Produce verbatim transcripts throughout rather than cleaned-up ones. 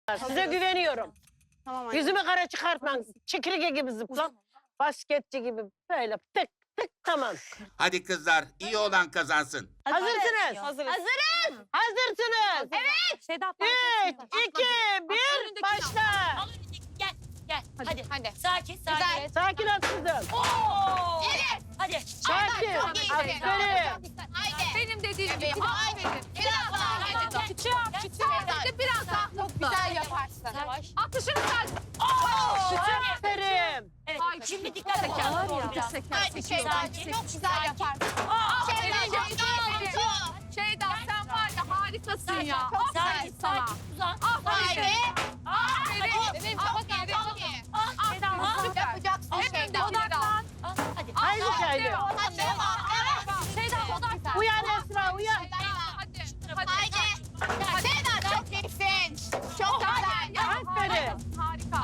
Size güveniyorum. Tamam anne. Yüzümü kara çıkartmam. Çekirge gibi zıplam. Basketçi gibi böyle tık tık tamam. Hadi kızlar, iyi olan kazansın. Hazırsınız. Hazırız. Hazırız. Hazırsınız. Evet. Sedat Üç, iki, bir, başla. Al önündeki, gel, gel. Hadi, hadi. Sakin, sakin. Sakin ol kızım. Oo! Evet. Hadi. Sakin. çok iyi. Aferin. Benim dediğim gibi. Aferin. Biraz daha, biraz daha. Küçüğüm, küçüğüm. Biraz daha. Çok güzel yaparsın. Yavaş. Atışını sen. Aferin. Evet, Ay, şimdi dikkat et. Var ya. Biraz. Haydi Şeyda. Sakin. Çok güzel yaparsın. Aa, Şeyda aferin. çok iyi. Şeyda sen var ya harikasın ya. Çok Sakin, güzel sana. sakin. Uzan. Aferin. Aferin. Benim çok iyi. Çok iyi. Ah, Şeyda, ah. Yapacaksın Şeyda. Odaklan. Ah, hadi. Haydi Şahin. Hadi. Şeyda odaklan. Uyan Esra uyan. Hadi. Hadi. Şeyda çok iyisin. Çok güzel. Aferin. Harika.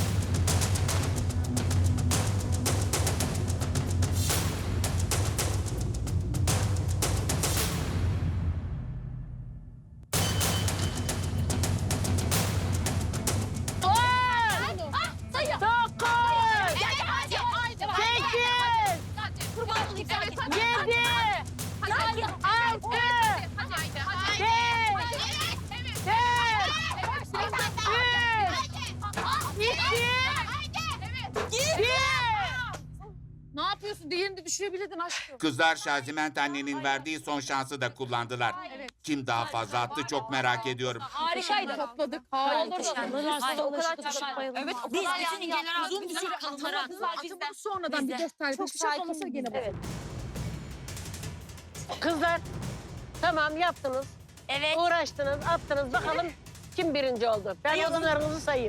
On, Ah, sayı. dokuz, Evet hadi. sekiz, Kurban olayım. Evet hadi. yedi, Hadi. altı, Hadi. Hadi. Hadi. beş, Evet. dört, iki, bir. Ne yapıyorsun? Diğerini de düşürebilirdin aşkım. Kızlar Şaziment annenin verdiği son şansı da kullandılar. Evet. Kim daha fazla attı çok merak ediyorum. Harikaydı. Topladık. Harika. Harika. O kadar çok bayıldım. Evet, o Biz kadar bütün yani ilgiler yaptık. uzun bir süre kalınarak. Acaba sonradan bir gösterdi. Çok sakin. Gene Evet. Kızlar tamam yaptınız. Evet. Uğraştınız, attınız. Bakalım kim birinci oldu? Ben Sayalım. odunlarınızı sayayım.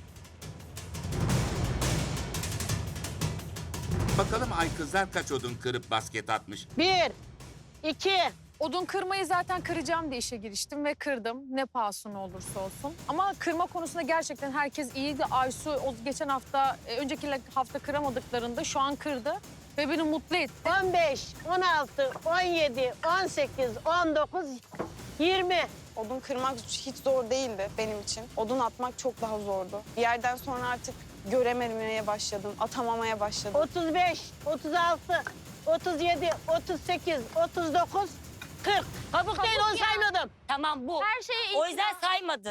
Bakalım ay kızlar kaç odun kırıp basket atmış. Bir, iki, Odun kırmayı zaten kıracağım diye işe giriştim ve kırdım. Ne pahasına olursa olsun. Ama kırma konusunda gerçekten herkes iyiydi. Aysu o geçen hafta, e, önceki hafta kıramadıklarında şu an kırdı. Ve beni mutlu etti. on beş, on altı, on yedi, on sekiz, on dokuz, yirmi. Odun kırmak hiç zor değildi benim için. Odun atmak çok daha zordu. Bir yerden sonra artık görememeye başladım, atamamaya başladım. otuz beş, otuz altı, otuz yedi, otuz sekiz, otuz dokuz, kırk. Kabuk değil onu saymadım. Tamam bu. Her şeyi O yüzden saymadı.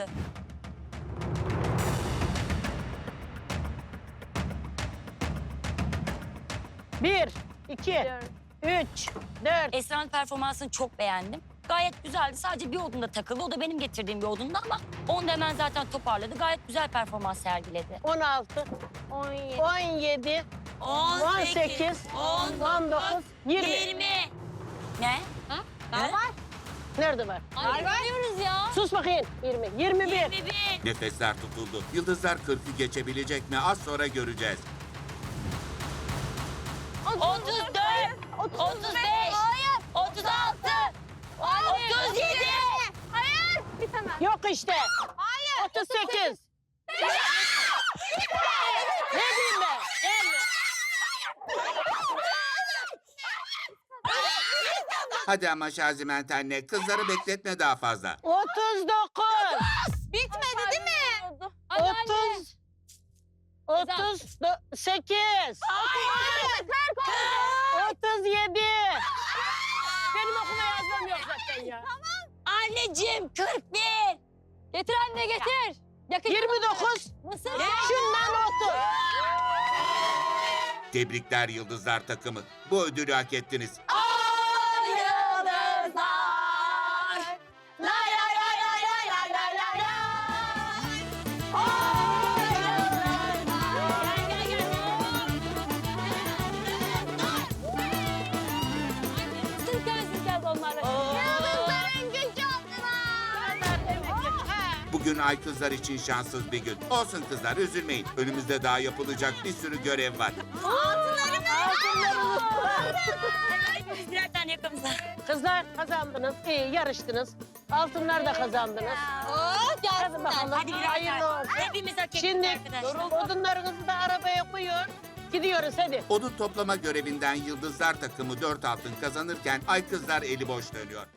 Bir, iki, üç, dört. Esra'nın performansını çok beğendim. Gayet güzeldi. Sadece bir odunda takıldı. O da benim getirdiğim bir odunda ama onu da hemen zaten toparladı. Gayet güzel performans sergiledi. on altı, on yedi. on yedi, on sekiz, on dokuz, yirmi. yirmi. Ne? Daha var. Nerede var? Var var. ya. Sus bakayım. yirmi, yirmi bir. yirmi bir. Nefesler tutuldu. Yıldızlar kırkı geçebilecek mi? Az sonra göreceğiz. otuz dört. otuz beş. otuz altı. otuz yedi. Hayır. Bir tane. Yok işte. Hayır. otuz sekiz. Ne diyeyim ben? Gelme. Hadi ama Şaziment anne, kızları bekletme daha fazla. otuz dokuz. Bitmedi değil mi? otuz. otuz sekiz. otuz yedi. Benim okuma yazmam yok zaten ya. Anneciğim kırk bir. Getir anne getir. Yakın. yirmi dokuz. Mısır. Şundan otuz. Tebrikler Yıldızlar takımı. Bu ödülü hak ettiniz. Bugün ay kızlar için şanssız bir gün. Olsun kızlar, üzülmeyin. Önümüzde daha yapılacak bir sürü görev var. Hepimiz birer tane yakamıza. Kızlar kazandınız. İyi yarıştınız. Altınlar da kazandınız. Hadi bakalım. Hadi birer Hayırlı tane. olsun. Hepimiz hak ettik Şimdi arkadaşlar. odunlarınızı da arabaya koyun. Gidiyoruz hadi. Odun toplama görevinden Yıldızlar takımı dört altın kazanırken ay kızlar eli boş dönüyor.